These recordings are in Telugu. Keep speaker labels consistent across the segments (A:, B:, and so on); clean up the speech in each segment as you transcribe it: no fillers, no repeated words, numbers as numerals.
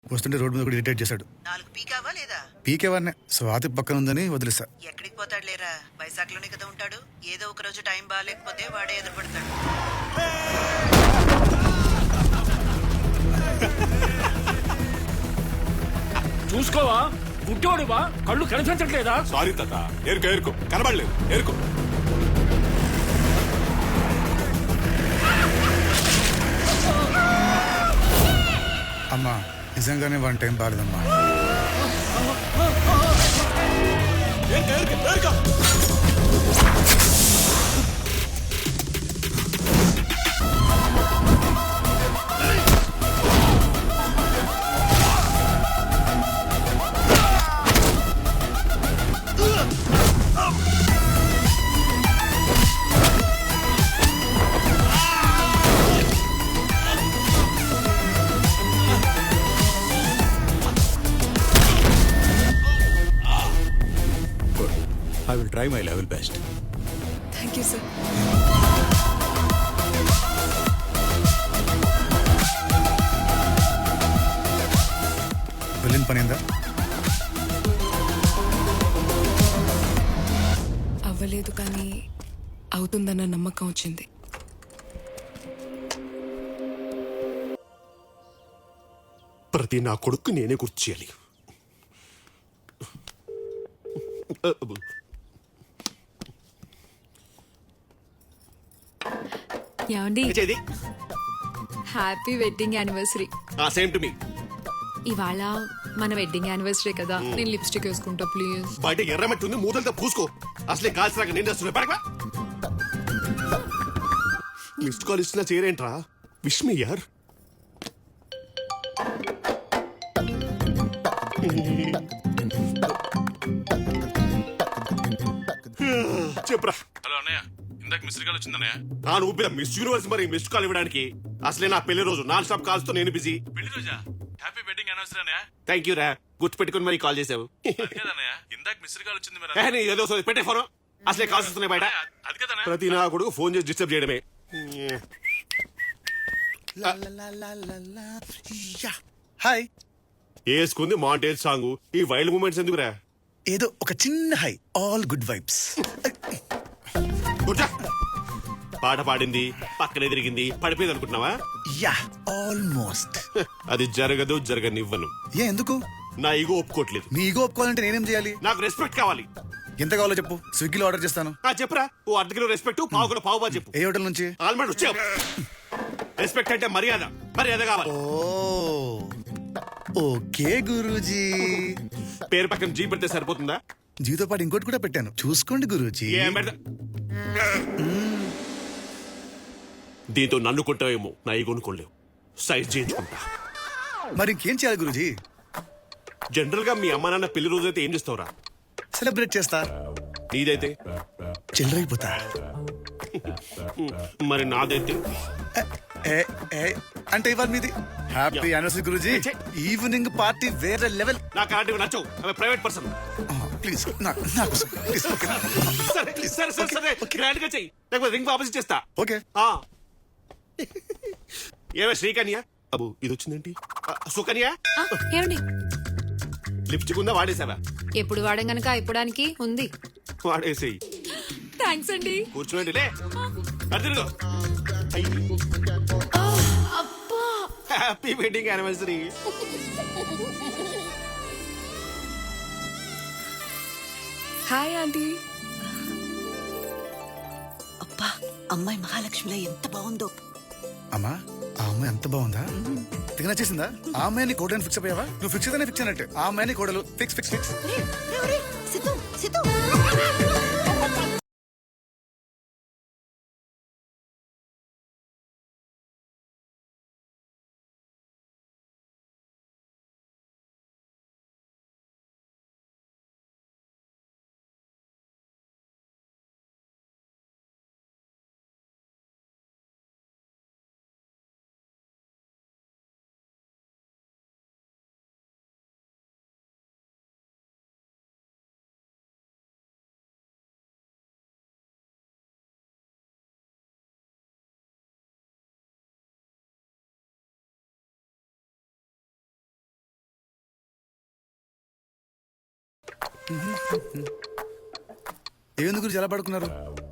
A: వస్తుంటే రోడ్డు మీద కూడా ఇరిటేట్ చేశాడు.
B: 4 పీకావా లేదా?
A: పీకేవాడినే స్వాతి పక్కన ఉందని వదిలేసా.
B: ఎక్కడికి పోతాడు లేరా, వైజాగ్లోనే కదా ఉంటాడు. ఏదో ఒక రోజు టైం బాగాలేకపోతే వాడే ఎదురుపడతాడు.
C: చూసుకోవా, గుడ్డోడువా, కళ్ళు కనిపించట్లేదా?
D: సారీ తాత, ఏరుకో ఏరుకో, కనబడలేదు, ఏరుకో.
A: అమ్మా నిజంగానే వన్ టైం బాగలేదమ్మా.
D: ఏరుకో ఏరుకో ఏరుకో.
E: I will try my level best.
F: Thank you, sir.
A: వెళ్ళిన పని ఏందా?
F: అవ్వలేదు కానీ అవుతుందన్న నమ్మకం వచ్చింది.
D: ప్రతి నా కొడుకు నేనే గుర్తు చేయాలి.
G: ఏమండి,
D: చేది
G: happy wedding anniversary.
D: Same to మీ.
G: ఇవాళ మన వెడ్డింగ్ యానివర్సరీ కదా, నేను లిప్స్టిక్ వేసుకుంటా ప్లీజ్.
D: బయట ఎర్రమట్టి ఉంది, మూతలతో పూసుకో. అసలే కాల్సినాక నేను వస్తున్నా. పడక మిస్డ్ కాల్ ఇస్తున్నా చేయరేంట్రా? విష్ మీ యార్. చెప్పరా.
H: హలో అన్నయ్య, ఇందాక మిస్డ్ కాల్ వచ్చిందన్నయ్య.
D: నా ఊపిన మిస్ యూనివర్స్ మరి మిస్డ్ కాల్ ఇవ్వడానికి. అసలే నా పెళ్లి రోజు నాన్ స్టాప్ కాల్స్ తో నేను బిజీ.
H: పెళ్లి రోజా? హ్యాపీ వెడ్డింగ్ యానివర్సరీ అన్నయ్య.
D: థ్యాంక్ యూ రా, గుర్తు పెట్టుకుని మరి కాల్ చేసావు.
H: అది కదన్నయ్య, ఇందాక మిస్డ్ కాల్ వచ్చింది మరి.
D: ఏదో పెట్టే ఫోన్. అసలే కాల్స్ వస్తున్నాయి బయట.
H: అది కదన్నయ్య.
D: ప్రతి నా కొడుకు ఫోన్ చేసి డిస్టర్బ్ చేయడమే.
A: హాయ్.
D: వేసుకుంది మాంటేజ్ సాంగ్. ఈ వైల్డ్ మూమెంట్స్ ఎందుకురా?
A: ఏదో ఒక చిన్న హై, ఆల్ గుడ్ వైబ్స్.
D: కూర్చో. పాట పాడింది, పక్కనే తిరిగింది, పడిపోయింది అనుకుంటున్నావా?
A: Yeah almost.
D: అది జరగదు, జరగనివ్వను.
A: ఏ ఎందుకు?
D: నా ఈగో ఒప్పుకోవట్లేదు.
A: నీ ఈగో ఒప్పుకోవాలంటే నేనేం చేయాలి?
D: నాకు రెస్పెక్ట్ కావాలి.
A: ఎంత కావాలో చెప్పు, స్విగ్గీలో ఆర్డర్ చేస్తాను.
D: చెప్పురా. ఓ అర్ధ కిలో రెస్పెక్ట్, పావు కిలో పావు బా చెప్పు.
A: ఏ హోటల్ నుంచి?
D: ఆల్మండ్ వచ్చే. రెస్పెక్ట్ అంటే మర్యాద, మర్యాద కావాలి.
A: ఓకే గురూజీ.
D: పేరు పక్కన జీ పెడితే సరిపోతుందా?
A: జీతో పాటు ఇంకోటి కూడా పెట్టాను, చూసుకోండి గురూజీ.
D: ఏం పెడతా? దీంతో నన్ను కొంటావేమో, నా ఈగోను కొనలేవు. సైజ్ చేయించుకుంటా.
A: మరి ఇంకేం చేయాలి గురూజీ?
D: జనరల్ గా మీ అమ్మ నాన్న పెళ్లి రోజు అయితే ఏం చేస్తావురా?
A: సెలబ్రేట్ చేస్తా.
D: నీదైతే?
A: చిల్లరైపోతా.
D: మరి నాదైతే?
A: ఏ, ఏ, అంటే ఇవాళ మీది హ్యాపీ యానివర్సరీ గురూజీ. ఈవినింగ్ పార్టీ వేరే లెవెల్.
D: నాకు అలాంటివి నచ్చవు. ఆమె ప్రైవేట్ పర్సన్.
A: ప్లీజ్ నా కోసం ప్లీజ్.
D: సరే సరే సరే సరే, గ్రాండ్ గా చెయ్యి, లేకపోతే రింగ్ వాపస్ చేస్తా.
A: ఓకే.
D: ఏమే శ్రీకన్య? అబ్బు ఇది వచ్చిందేంటి? సుకన్య,
G: ఏమండి,
D: లిప్స్టిక్ ఉందా? వాడేసావా?
G: ఎప్పుడు వాడం గనక అయిపోవడానికి ఉంది.
D: వాడేసేయి.
G: థ్యాంక్స్ అండి.
D: కూర్చోండి లే. అదిగో.
G: అబ్బా,
D: happy wedding anniversary.
F: Hi aunty.
B: అబ్బా, అమ్మాయి మహాలక్ష్మిలా ఎంత బాగుందో.
A: అమ్మా ఆ అమ్మాయి ఎంత బాగుందా? తెగ నచ్చేసిందా? ఆ అమ్మాయిని కోడని ఫిక్స్ అయ్యావా? నువ్వు ఫిక్స్ అయితేనే ఫిక్స్ అయినట్టే. ఆ అమ్మాయిని కోడలు fix fix fix.
B: Siddhu Siddhu.
A: ఏముంది గురించి ఎలా పడుకున్నారు?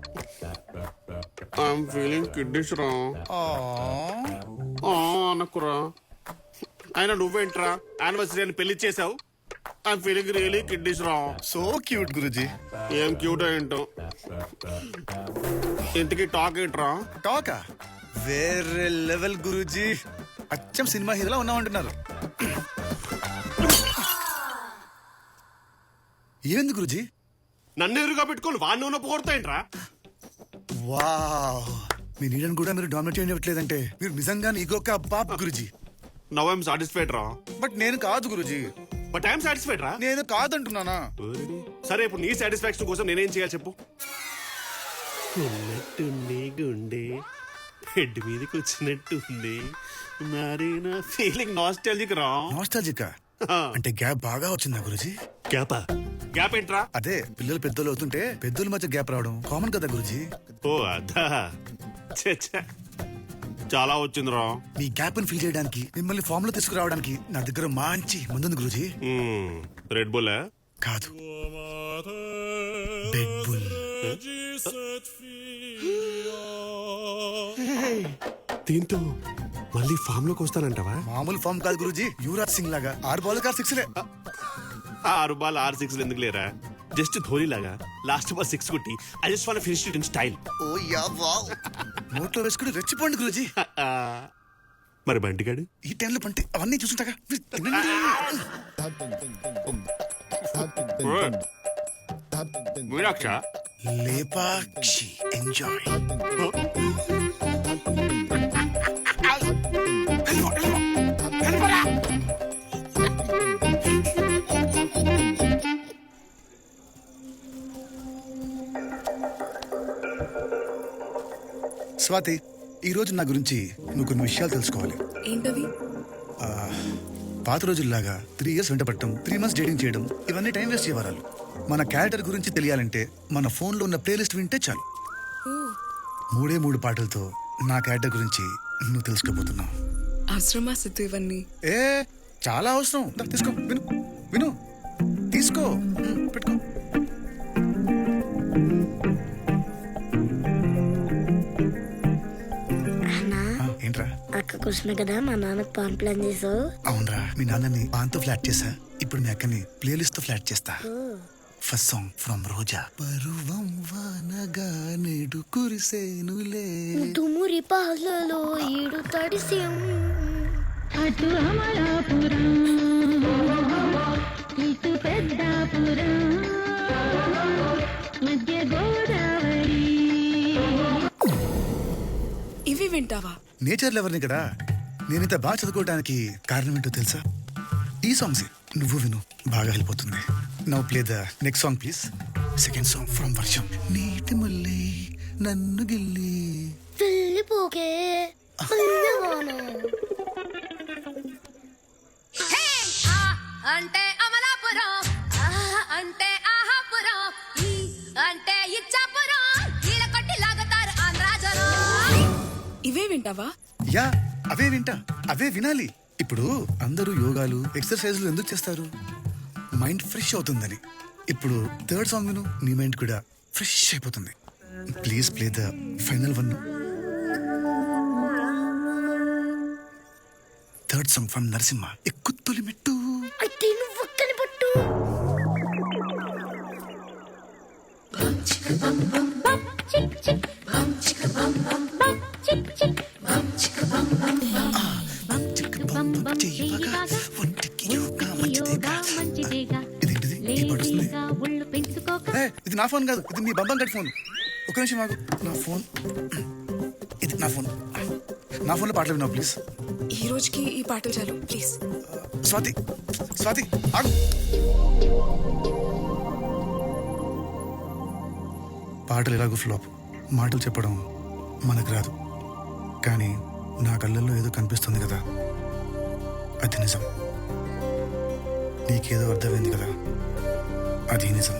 D: ఐఎమ్ ఫీలింగ్ కిడ్నీస్ రా అనకురా. అయినా నువ్వేంట్రా యానివర్సరీ అని పెళ్లి చేసావు? ఐఎమ్ ఫీలింగ్ రియలీ కిడ్నీస్ రా.
A: సో క్యూట్ గురుజీ.
D: ఏం క్యూట్ ఏంటో. ఇంతకీ టాక్ ఏంట్రా?
A: టాకా వేరే లెవెల్ గురూజీ. అచ్చం సినిమా హీరోలా ఉన్నామంటున్నారు. ఏంది గురూజీ?
D: నన్ను ఎదురుగా పెట్టుకోవాలి వాడిని ఉన్న పోగొడతాయంట్రా.
A: వావ్, మీ నీడని కూడా మీరు డామినేట్ చేయట్లేదంటే మీరు నిజంగానే ఈగోక బాప్ గురూజీ.
D: నవ్ ఐఎమ్ సాటిస్ఫైడ్ రా.
A: బట్ నేను కాదు గురూజీ.
D: బట్ ఐఎమ్ సాటిస్ఫైడ్ రా.
A: నేను కాదంటున్నానా?
D: సరే ఇప్పుడు నీ సాటిస్ఫాక్షన్ కోసం నేనేం చేయాలి చెప్పు. ఉన్నట్టుంది గుండె హెడ్ మీదకి వచ్చినట్టుంది మరి నా ఫీలింగ్ నాస్టాలజిక్ రా.
A: నాస్టాలజికా? అంటే గ్యాప్ బాగా వచ్చిందా గురూజీ?
D: గ్యాపా? గ్యాప్ ఏంట్రా?
A: అదే పిల్లలు పెద్దలు అవుతుంటే పెద్దల మధ్య గ్యాప్ రావడం కామన్ కదా గురూజీ.
D: ఓ అదా. ఛే, ఛే. చాలా వచ్చింది రా.
A: మీ గ్యాప్ ని ఫిల్ చేయడానికి మిమ్మల్ని ఫామ్ లో తీసుకురావడానికి నా దగ్గర మంచి ముందుంది గురూజీ.
D: రెడ్ బుల్
A: కాదు, బెడ్ బుల్.
D: దీంతో మళ్ళీ ఫామ్ లోకి వస్తానంటావా?
A: మామూలు ఫామ్ కాదు గురూజీ, యువరాజ్ సింగ్ లాగా 6 బాల్ 6 లే.
D: 6 బాల్ 6 6 ఎందుకు లేరా? జస్ట్ ధోని లాగా లాస్ట్ బాల్ 6 కొట్టి I just want finish it in style.
A: Oh yeah wow, నోట్లో వేసుకుని రెచ్చిపోండి గురూజీ.
D: మరి బంటిగాడు
A: ఈ టైంలో పంటి అవన్నీ చూసుంటాగా. మీరు తినండి.
D: మీనాక్ష
A: లేపాక్షి ఎంజాయ్. స్వాతి, ఈ రోజు నా గురించి నువ్వు కొన్ని విషయాలు తెలుసుకోవాలి.
F: ఏంటవి?
A: పాత రోజుల్లాగా 3 years వెంటపడటం, 3 months డేటింగ్ చేయడం ఇవన్నీ టైం వేస్ట్ చేయవరాలు. మన క్యారెక్టర్ గురించి తెలియాలంటే మన ఫోన్లో ఉన్న ప్లేలిస్ట్ వింటే చాలు. 3 పాటలతో నా క్యారెక్టర్ గురించి నువ్వు తెలుసుకోబోతున్నావు.
F: అవసరమా సిద్ధు ఇవన్నీ?
A: ఏ చాలా అవసరం. దా, తీసుకో, విను విను, తీసుకో, పెట్టుకో. ఏంట్రా?
I: అక్క కోసమే కదా మా నాన్నకు పాన్ ప్లాన్ చేసావు.
A: అవునరా, మీ నాన్నని పాన్తో ఫ్లాట్ చేసా. ఇప్పుడు మీ అక్కని ప్లేలిస్ట్ తో ఫ్లాట్ చేస్తా. First song from Roja. పరువం వానగా నేడు కురిసేనులే,
I: తుమురి పాలలో ఈడు తడిసేం.
J: అటు అమలాపురం ఇటు పెద్దాపురం మధ్య గోదావరి.
F: ఇవి వింటావా?
A: నేచర్ లవర్ని కదా. నేనింత బాగా చదువుకోవడానికి కారణం ఏంటో తెలుసా? ఈ సాంగ్స్ నువ్వు విను, బాగా హెల్ప్ అవుతుంది. Now play the next song please. Second song from Varsham. నీటి మళ్ళీ నన్ను గిల్లి
I: వెళ్ళిపోకే
J: అంటే అమలాపురం అంటే ఆహాపురం అంటే ఇచ్చాపురం ఈల కొట్టి లాగుతారు ఆంధ్రాజనం.
F: ఇవే వింటావా?
A: యా, అవే వింటా, అవే వినాలి. ఇప్పుడు అందరూ యోగాలు ఎక్సర్సైజ్లు ఎందుకు చేస్తారు? మైండ్ ఫ్రెష్ అవుతుందని. ఇప్పుడు థర్డ్ సాంగ్ విను, నీ మైండ్ కూడా ఫ్రెష్ అయిపోతుంది. Please play the final one. Third song from Narasimha. ఎక్కు తొలి మెట్టు.
I: అయితే నువ్వు ఒక్కని పట్టు.
A: ఇదేంటిది? ఈ పాట వస్తుంది. ఏ, ఇది నా ఫోన్ కాదు, ఇది మీ బంబం గడి ఫోన్. ఒక నిమిషం ఆగు. నా ఫోన్, ఇది నా ఫోన్. నా ఫోన్లో పాటలు విన్నావు ప్లీజ్.
F: ఈ రోజుకి ఈ పాటలు చాలు ప్లీజ్.
A: స్వాతి, స్వాతి ఆగు. పాటలు ఎలాగో ఫ్లాప్. మాటలు చెప్పడం మనకు రాదు, కానీ నా కళ్ళల్లో ఏదో కనిపిస్తుంది కదా, అది నిజం. నీకేదో అర్థమైంది కదా, అది నిజం.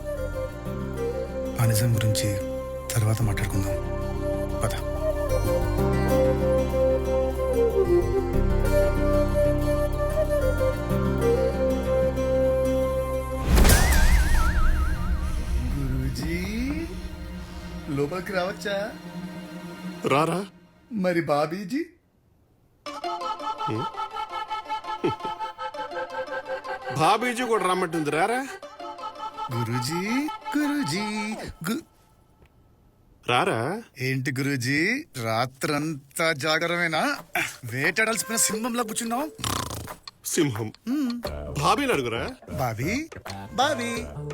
A: ఆ నిజం గురించి తర్వాత మాట్లాడుకుందాం, పద. లోపలికి రావచ్చా?
D: రారా.
A: మరి బాబీజీ?
D: బాబీజీ కూడా రమ్మంటుంది, రారా.
A: గురూజీ గురూజీ
D: రారా.
A: ఏంటి గురూజీ, రాత్రంతా జాగరమేనా? వేటాడాల్సిన సింహంలో కూర్చున్నావు.
D: సింహం. బాబీని అడుగురా.
A: బాబీ బాబీ